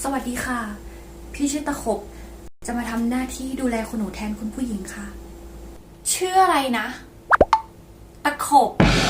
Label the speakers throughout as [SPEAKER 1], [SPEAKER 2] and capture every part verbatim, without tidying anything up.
[SPEAKER 1] สวัสดีค่ะพี่ชื่อตะขบจะมาทำหน้าที่ดูแลคุณหนูแทนคุณผู้หญิงค่ะชื่ออะไรนะตะขบ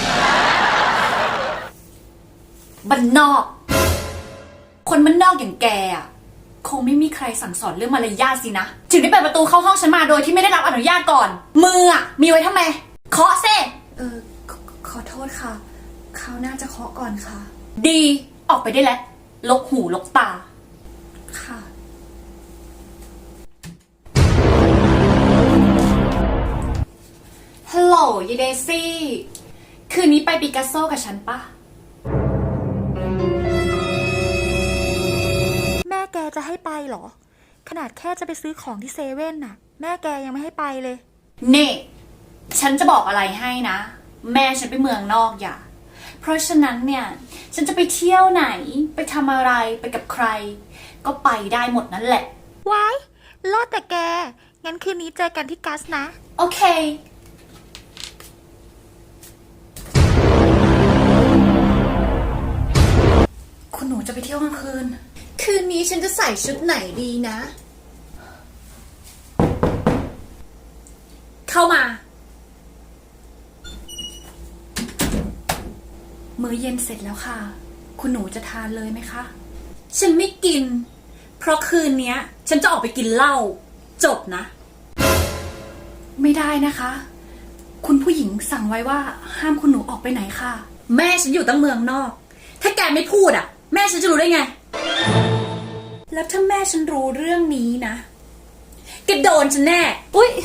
[SPEAKER 1] บ้านนอกคนบ้านนอกอย่างแกอ่ะคงไม่มีใครสั่งสอนเรื่องมารยาทสินะถึงได้เปิดประตูเข้าห้องฉันมาโดยที่ไม่ได้รับอนุญาตก่อนมืออ่ะมีไว้ทำไมเคาะเซ่เออขอขอโทษค่ะเขาน่าจะเคาะก่อนค่ะดีออกไปได้แล้วลกหูลกตาค่ะฮัลโหลยายเดซี่คืนนี้ไปปิกัสโซกับฉันปะ
[SPEAKER 2] แม่แกจะให้ไปเหรอขนาดแค่จะไปซื้อของที่เซเว่นน่ะแม่แกยังไม่ให้ไปเลย
[SPEAKER 1] เน่ฉันจะบอกอะไรให้นะแม่ฉันไปเมืองนอกอย่าเพราะฉะนั้นเนี่ยฉันจะไปเที่ยวไหนไปทำอะไรไปกับใครก็ไปได้หมดนั่นแหละ
[SPEAKER 2] ว้ายรอดแต่แกงั้นคืนนี้เจอกันที่กัสนะ
[SPEAKER 1] โอเคคุณหนูจะไปเที่ยวกลางคืนคืนนี้ฉันจะใส่ชุดไหนดีนะเข้ามามื้อเย็นเสร็จแล้วค่ะคุณหนูจะทานเลยไหมคะฉันไม่กินเพราะคืนนี้ฉันจะออกไปกินเหล้าจบนะไม่ได้นะคะคุณผู้หญิงสั่งไว้ว่าห้ามคุณหนูออกไปไหนค่ะแม่ฉันอยู่ตั้งเมืองนอกถ้าแกไม่พูดอ่ะแม่ฉันจะรู้ได้ไงแล้วถ้าแม่ฉันรู้เรื่องนี้นะแกโดนฉันแน่อุ๊ย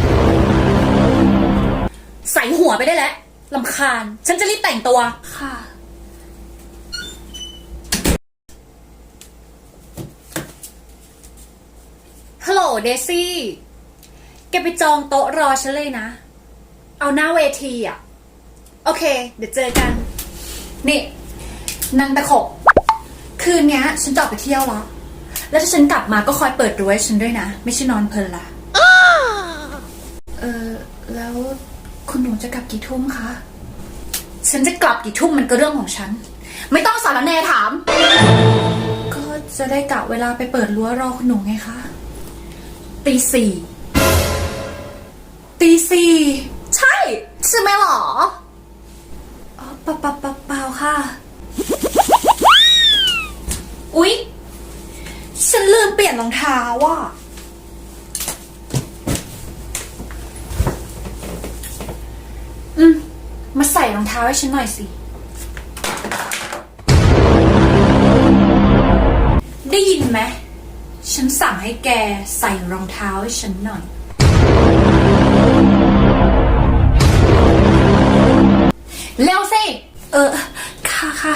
[SPEAKER 1] ใส่หัวไปได้แล้วรำคาญฉันจะรีบแต่งตัวค่ะฮัลโหลเดซี่แกไปจองโต๊ะรอฉันเลยนะเอาหน้าเวทีอ่ะโอเคเดี๋ยวเจอกันนี่นางตะขบคืนนี้ฉันจะออกไปเที่ยวแล้วแล้วถ้าฉันกลับมาก็คอยเปิดดูให้ฉันด้วยนะไม่ใช่นอนเพลินละเออแล้วคุณหนูจะกลับกี่ทุ่มคะฉันจะกลับกี่ทุ่มมันก็เรื่องของฉันไม่ต้องสารแนถามก็จะได้กะเวลาไปเปิดรั้วรอคุณหนูไงคะตีสี่ตีสี่ใช่ใช่ไหมหรออ๋อเปล่าเปล่าเปล่าค่ะอุ๊ยฉันลืมเปลี่ยนรองเท้าว่ะอืมมาใส่รองเท้าให้ฉันหน่อยสิได้ยินไหมฉันสั่งให้แกใส่รองเท้าให้ฉันหน่อยเร็วสิเออค่ะค่ะ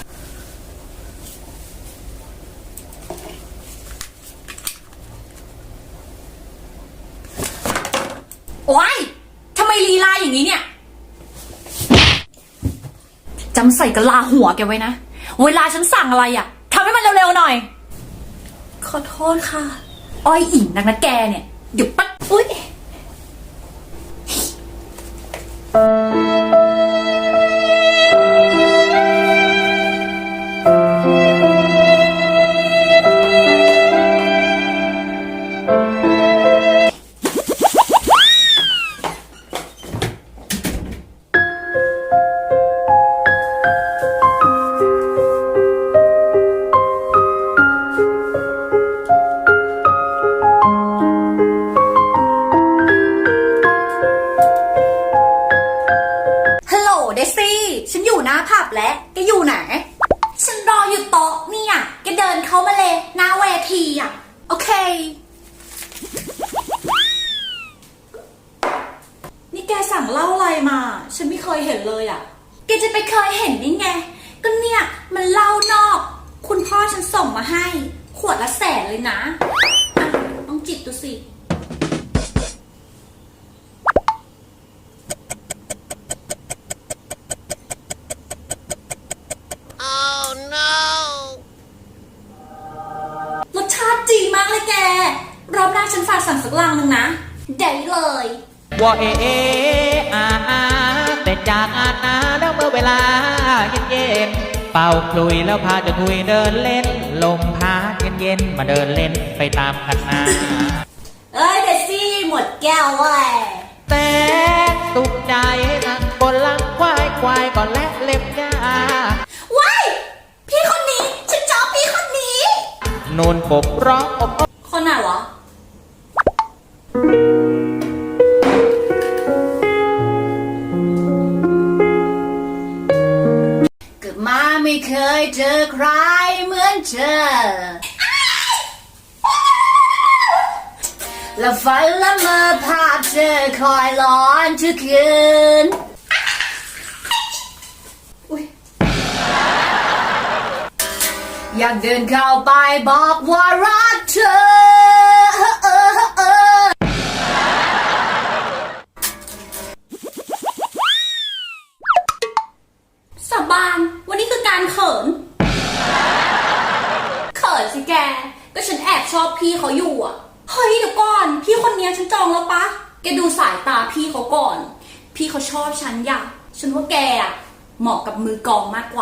[SPEAKER 1] โอ๊ยทำไมลีลาอย่างนี้เนี่ยจำใส่กะลาหัวแกไว้นะเวลาฉันสั่งอะไรอ่ะทำให้มันเร็วๆหน่อยขอโทษค่ะอ้อยอิ่มนักนะแกเนี่ยเดี๋ยวปั๊บอุ๊ยเดซี่ฉันอยู่หน้าผับแล้วแกอยู่ไหนฉันรออยู่โต๊ะเนี่ยแกเดินเข้ามาเลยหน้าเวทีอ่ะโอเคนี่แกสั่งเหล้าอะไรมาฉันไม่เคยเห็นเลยอ่ะแกจะไปเคยเห็นได้ไงก็เนี่ยมันเหล้านอกคุณพ่อฉันส่งมาให้ขวดละแสนเลยนะอ่ะต้องจิบดูสิรสชาติดีมากเลยแกรอบหน้าฉันฝากสั่งสักลังนึงนะได้เลย
[SPEAKER 3] ว่าเอเออาอาแต่จากอาณาแล้วเมื่อเวลาเย็นเย็นเป่าคลุยแล้วพาจะคุยเดินเล่นลมพัดเเย็นๆมาเดินเล่นไปตามคันนา
[SPEAKER 4] เอ้ยเดซี่หมดแก้วเว้ย
[SPEAKER 3] แต่สุขใจนั่งบนหลังควายควายก่อนและเล็บยา
[SPEAKER 4] ว้ายพี่คนนี้ฉันชอบพี่คนนี้
[SPEAKER 3] นูนกบร้องอบ
[SPEAKER 4] คนไหนวะ
[SPEAKER 1] เกิดมาไม่เคยเจอใครเหมือนเธอ และฝันละเมอภาพเธอคอยหลอนทุกคืนอุ๊ยอยากเดินเข้าไปบอกว่ารักเธอ
[SPEAKER 4] สาบานวันนี้คือการเขิน เขินสิแก ก็ฉันแอบชอบพี่เขาอยู่อ่ะ เฮ้ยเดี๋ยวก่อน พี่คนนี้ฉันจองแล้วปะ แกดูสายตาพี่เขาก่อน พี่เขาชอบฉันอยากฉันว่าแกอ่ะเหมาะกับมือกลองมากกว่า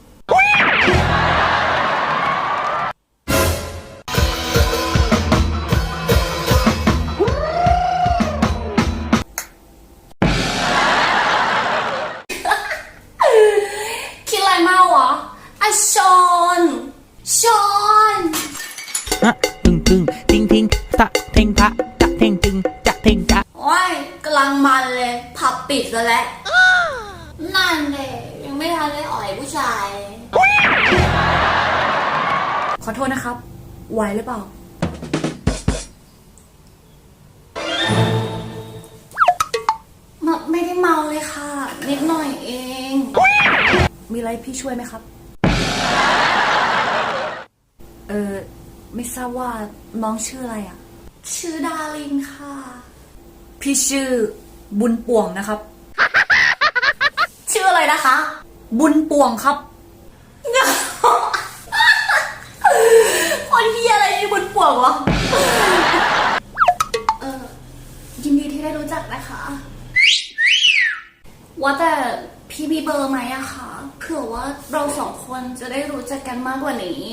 [SPEAKER 4] คิดอะไรมาวะอะชอนชอน
[SPEAKER 3] ฮะตึงตึงทิงทิงตะเทงทะตะเทงตึงจะเทงจะ
[SPEAKER 4] โอ้ยกำลังมันเลยผับปิดซะแล้ว นั่นเลยยังไม่ทันได้อ่อยผู้ชาย
[SPEAKER 1] ขอโทษนะครับ ไหวหรือเปล่า
[SPEAKER 4] ไม่ได้เมาเลยค่ะ นิดหน่อยเอง
[SPEAKER 1] มีอะไรพี่ช่วยไหมครับ เออไม่ทราบว่าน้องชื่ออะไรอ่ะ
[SPEAKER 4] ชื่อดารินค่ะ
[SPEAKER 1] พี่ชื่อบุญป่วงนะครับ
[SPEAKER 4] ชื่ออะไรนะคะ
[SPEAKER 1] บุญป่วงครับ
[SPEAKER 4] คนเฮียอะไรมีบุญป่วงวะ เออยินดีที่ได้รู้จักนะคะ ว่าแต่พี่มีเบอร์ไหมอะคะเผื่อว่าเราสองคนจะได้รู้จักกันมากกว่านี้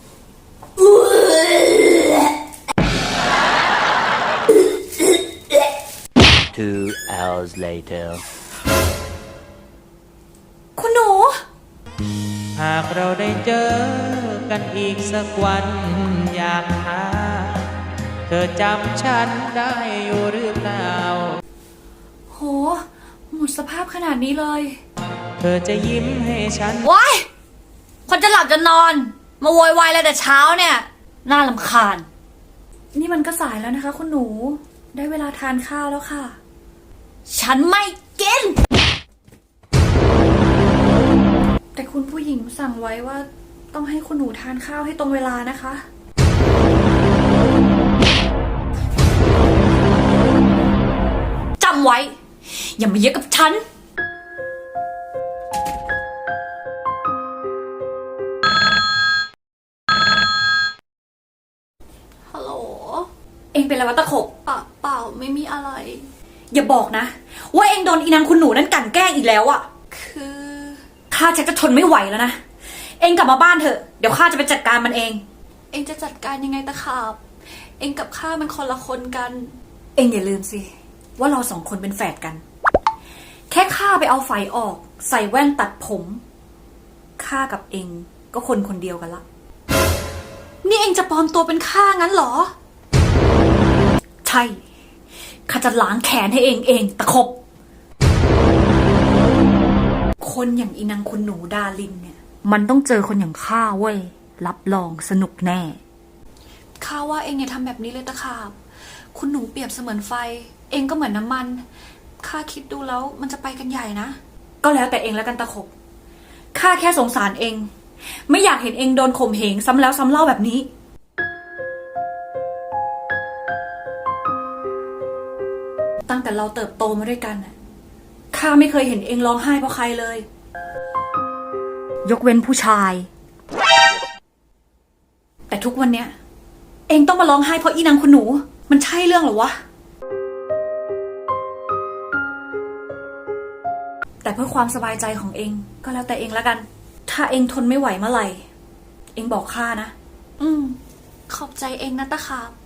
[SPEAKER 5] Two hours later.
[SPEAKER 1] คุณหนู
[SPEAKER 3] หากเราได้เจอกันอีกสักวันอยากหาเธอจำฉันได้อยู่หรือเปล่า
[SPEAKER 1] โห หมดสภาพขนาดนี้เลย
[SPEAKER 3] เธอจะยิ้มให้ฉัน
[SPEAKER 1] ว้ายคนจะหลับจะนอน มาโวยวายแล้วแต่เช้าเนี่ย น่าลำคาญ นี่มันก็สายแล้วนะคะคุณหนู ได้เวลาทานข้าวแล้วค่ะ
[SPEAKER 4] ฉันไม่กิน
[SPEAKER 1] แต่คุณผู้หญิงสั่งไว้ว่าต้องให้คุณหนูทานข้าวให้ตรงเวลานะคะ
[SPEAKER 4] จำไว้ อย่ามาเยอะกับฉัน ฮัลโหล
[SPEAKER 1] เองเป็นอะไรวะตะขบ
[SPEAKER 4] เปล่าเปล่าไม่มีอะไร
[SPEAKER 1] อย่าบอกนะ ว่าเองโดนอีนางคุณหนูนั่นกลั่นแกล้งอีกแล้วอะ
[SPEAKER 4] คือ
[SPEAKER 1] ข้าชักจะทนไม่ไหวแล้วนะ เองกลับมาบ้านเถอะ เดี๋ยวข้าจะไปจัดการมันเอง
[SPEAKER 4] เองจะจัดการยังไงตะขาบ เองกับข้ามันคนละคนกัน
[SPEAKER 1] เองอย่าลืมสิ ว่าเราสองคนเป็นแฝดกัน แค่ข้าไปเอาไฟออก ใส่แว่นตัดผมข้ากับเองก็คนคนเดียวกันละ
[SPEAKER 4] นี่เองจะปลอมตัวเป็นข้างั้นเหรอ
[SPEAKER 1] ใช่ข้าจะล้างแขนให้เองเองตะคบ คนอย่างอีนางคุณหนูดาลินเนี่ย มันต้องเจอคนอย่างข้าเว้ย รับรองสนุกแน่
[SPEAKER 4] ข้าว่าเองอย่าทำแบบนี้เลยตะขาบ คุณหนูเปรียบเสมือนไฟ เองก็เหมือนน้ำมัน ข้าคิดดูแล้วมันจะไปกันใหญ่นะ
[SPEAKER 1] ก็แล้วแต่เองแล้วกันตะคบข้าแค่สงสารเอง ไม่อยากเห็นเองโดนข่มเหงซ้ำแล้วซ้ำเล่าแบบนี้ ตั้งแต่เราเติบโตมาด้วยกันน่ะข้าไม่เคยเห็นเองร้องไห้เพราะใครเลย ยกเว้นผู้ชาย แต่ทุกวันเนี้ย เองต้องมาร้องไห้เพราะอีนางคุณหนู มันใช่เรื่องเหรอวะ แต่เพื่อความสบายใจของเองก็แล้วแต่เองแล้วกัน ถ้าเองทนไม่ไหวเมื่อไหร่ เองบอกข้านะ
[SPEAKER 4] อืม
[SPEAKER 2] ขอบใจเองนะตะขาบ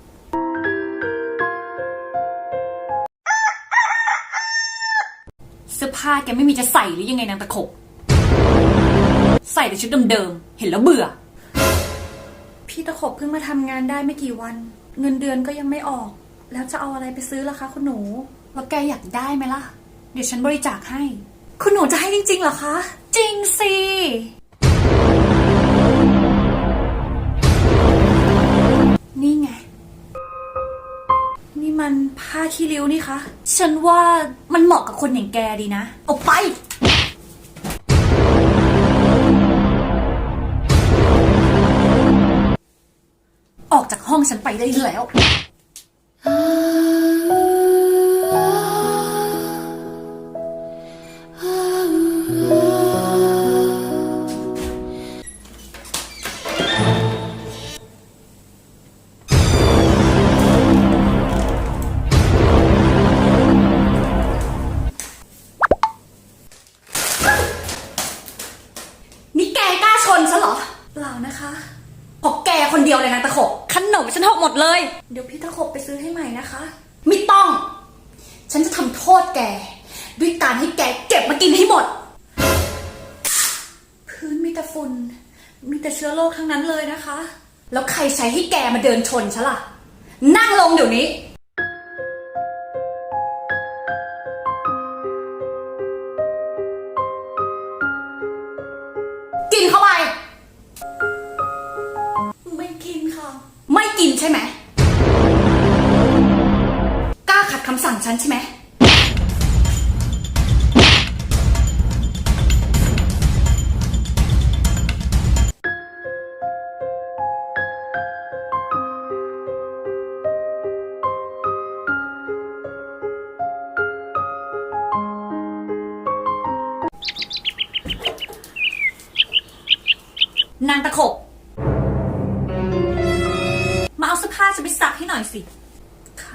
[SPEAKER 4] เสื้อผ้าแกไม่มีจะใส่หรือยังไงนางตะขบ ใส่แต่ชุดเดิมๆ เห็นแล้วเบื่อ
[SPEAKER 2] พี่ตะขบเพิ่งมาทำงานได้ไม่กี่วัน เงินเดือนก็ยังไม่ออก แล้วจะเอาอะไรไปซื้อล่ะคะคุณหนู
[SPEAKER 4] แล้วแกอยากได้ไหมล่ะ เดี๋ยวฉันบริจาคให้
[SPEAKER 2] คุณหนูจะให้จริงๆเหรอคะ
[SPEAKER 4] จริงสิ
[SPEAKER 2] นี่ไง นี่มันผ้าขี้ริ้วนี่คะ
[SPEAKER 4] ฉันว่ามันเหมาะกับคนอย่างแกดีนะ เอาไป ออกจากห้องฉันไปได้แล้ว นี่แกกล้าชนฉันเหรอ
[SPEAKER 2] เปล่านะคะ
[SPEAKER 4] เพราะแกคนเดียวเลยนะตะขบขนมฉันหกหมดเลย
[SPEAKER 2] เดี๋ยวพี่ตะขบไปซื้อให้ใหม่นะคะ
[SPEAKER 4] ไม่ต้อง ฉันจะทำโทษแก ด้วยการให้แกเก็บมากินให้หมด
[SPEAKER 2] พื้นมีแต่ฝุ่น มีแต่เชื้อโรคทั้งนั้นเลยนะคะ
[SPEAKER 4] แล้วใครใช้ให้แกมาเดินชนฉันล่ะ นั่งลงเดี๋ยวนี้ กินเข้าไป
[SPEAKER 2] ไม่กินค่ะ
[SPEAKER 4] ไม่กินใช่ไหม กล้าขัดคำสั่งฉันใช่ไหม นางตะขบ มาเอาเสื้อผ้าจะไปซักให้หน่อยสิ
[SPEAKER 2] ค่ะ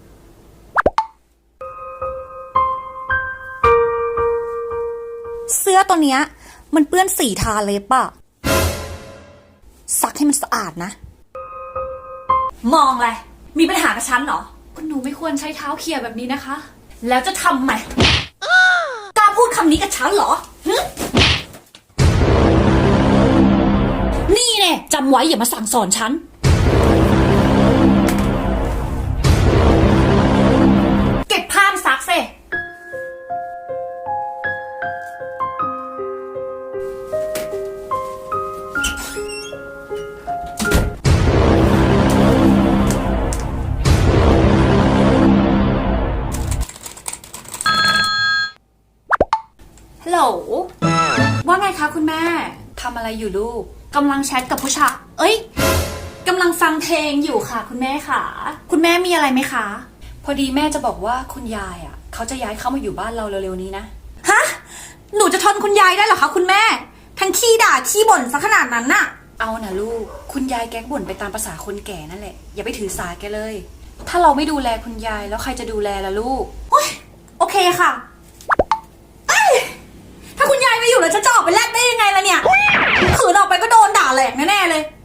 [SPEAKER 4] เสื้อตัวเนี้ยมันเปื้อนสีทาเล็บอะซักให้มันสะอาดนะ มองอะไร มีปัญหากับฉันเหรอ
[SPEAKER 2] คุณหนูไม่ควรใช้เท้าเขี่ยแบบนี้นะคะ
[SPEAKER 4] แล้วจะทำไหม กล้าพูดคำนี้กับฉันเหรอหึนี่แน่จำไว้อย่ามาสั่งสอนฉัน เก็บผ้ามาซักเซ ฮัลโหล ว่าไงคะคุณแม่ ทำอะไรอยู่ลูก กำลังแชทกับผู้ชาย เอ้ย กำลังฟังเพลงอยู่ค่ะ คุณแม่ค่ะ คุณแม่มีอะไรไหมคะ พอดีแม่จะบอกว่าคุณยายอ่ะ เขาจะย้ายเข้ามาอยู่บ้านเราเร็วๆนี้นะ
[SPEAKER 2] ฮะ หนูจะทนคุณยายได้เหรอคะคุณแม่ ทั้งขี้ด่าขี้บ่นซะขนาดนั้นน่ะ
[SPEAKER 4] เอานะลูก คุณยายแกบ่นไปตามภาษาคนแก่นั่นแหละ อย่าไปถือสาแกเลย ถ้าเราไม่ดูแลคุณยายแล้วใครจะดูแลล่ะลูก
[SPEAKER 2] โอเคค่ะเอ้ยถ้าคุณยายไม่อยู่แล้วฉันจะออกไปแลกได้ยังไงล่ะเนี่ยขืนออกไปก็โดนด่าแหลกแน่ๆเลย